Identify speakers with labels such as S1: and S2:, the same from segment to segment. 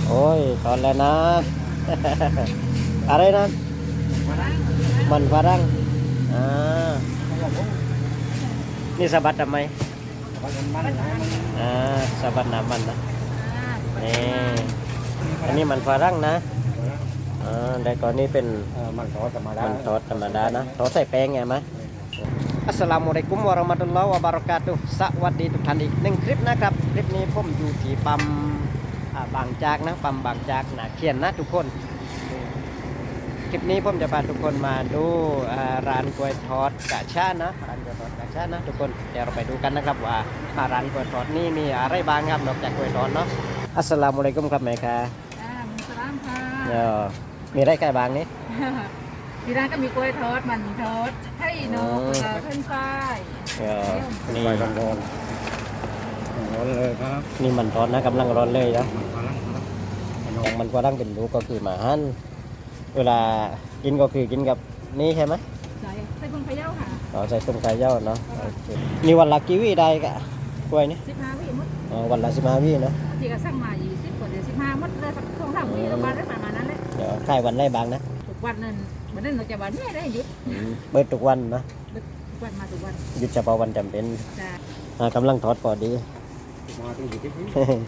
S1: โอ้ยตอนแล้วนะ อะไรนะมันฝรั่งอ่านี่สะบัดทำไมอ่าสะบัดน้ำมันนะนี่อันนี้มันฝรั่งนะแต่ก่อนนี้เป็นมันทอดธรรมดามันทอดธรรมดานะทอดใส่แป้งไงไหมอัสสลามุอะลัยกุมวะเราะมะตุลลอฮ์วะบารอกาตุฮ์สวัสดีทุกท่านอีกหนึ่งคลิปนะครับคลิปนี้ผมอยู่ที่ปั๊มบางจากนะปั๊มบางจากนาเขียนนะทุกคนคลิปนี้ผมจะพาทุกคนมาดูร้านกล้วยทอดกะชานะร้านกล้วยทอดกะชานะทุกคนเดี๋ยวเราไปดูกันนะครับว่าร้านกล้วยทอดนี่มีอะไรบ้างครับนอกจากกล้วยทอดเนาะอัสสลามุอะลัยกุมครับแม่ค่ะ
S2: มุสลามค่ะ
S1: มีอะไรใกล้บางนี้
S2: ที่ร้านก็มีกล้วยทอดมันทอดไข่นกเพิ่นฝ้าย
S1: นี่
S3: ร้อนเลยครับ
S1: นี่มันร้อนนะกำลังร้อนเลยนะอย่างมันก็ตั้งเป็นลูกก็คือหมาหั่นเวลากินก็คือกินกับนี่ใช่ไหม
S2: ใส่กุ้งพะเยาค่ะ
S1: ใส่ต้มไก่เย้าเนาะนี่วันละกี่วิได้กะกล้วยนี่
S2: 15 วิมด
S1: วันละ15 วิเนาะ
S2: ที่ก็สั่งมา20กว่าเดี๋ยว15มดเลยสัก2-3 วิประมาณได้ประมาณนั้นแหละ
S1: เดี๋ยวขายวันได้บางนะ
S2: ทุกวันนั้นวันนั้นเราจะวันนี้ได้หยุด
S1: เปิดทุกวันนะ
S2: ทุกวันมาทุกวัน
S1: หยุดเฉพาะวันจำเป็น
S2: จ้
S1: กำลังทอดพอดี
S3: มาถึงอยู่ที่
S2: ที่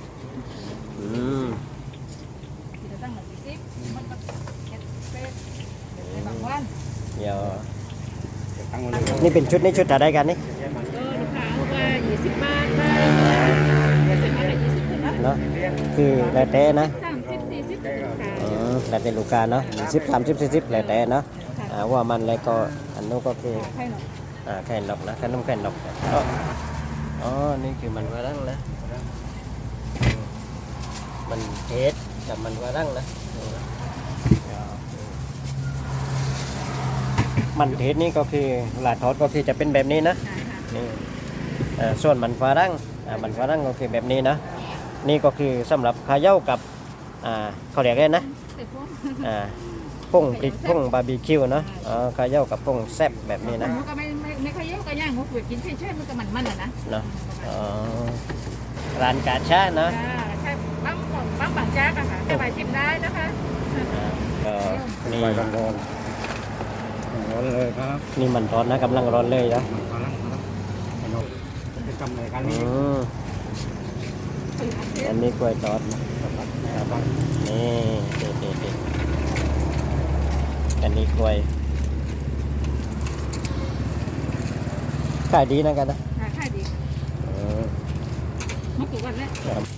S2: เราตั้งมา20มันก็เก็บเป็ดในบางวัน
S1: เดี๋ยว
S3: ตั้งเลย
S1: นี่เป็นชุดนี้ชุดอะไรกันนี่
S2: ลูกค้าเอาว่า20 บาทได้เดี๋ยวจะมาได้20ขึ้นนะ
S1: เนาะคือแล้วแต่นะ
S2: 30-40ขึ้นค่ะ
S1: แล้วแต่ลูกค้าเนาะ10 30 40แล้วแต่เนาะว่ามันแล้วก็อันนู้นก็คือแค่นกนะขนมแค่นกอ๋อนี่คือมันฝรั่งนะมันเทสกับมันฝรั่งนะมันเทสนี่ก็คือลาทอดก็คือจะเป็นแบบนี้นะนี่ส่วนมันฝรั่งก็คือแบบนี้นะนี่ก็คือสำหรับข้าวเหนียวกับเขาเรียกอะไรนะพงพริกพงบาร์บีคิวเนาะข้าวเหนียวกับพงแซ่บแบบนี้นะ
S2: มันก็ไม่ค่อยเยอะก็ย่างงกกินเฉยๆมันก็มันนะ
S1: เนาะร้านกาชาเนาะ
S2: ใช่ปั๊มบางจากอะค่ะจะไปชิมได้นะคะ
S1: นี่
S3: ร้อนเลยครับ
S1: นี่มันร้อนนะกำลังร้อนเลยนะ
S3: เป็นกำเลยกันนี้
S1: อันนี้กล้วยทอดนี่อันนี้กล้วยขายดีนะกันนะ
S2: ขายดีมากี่วันแล้ว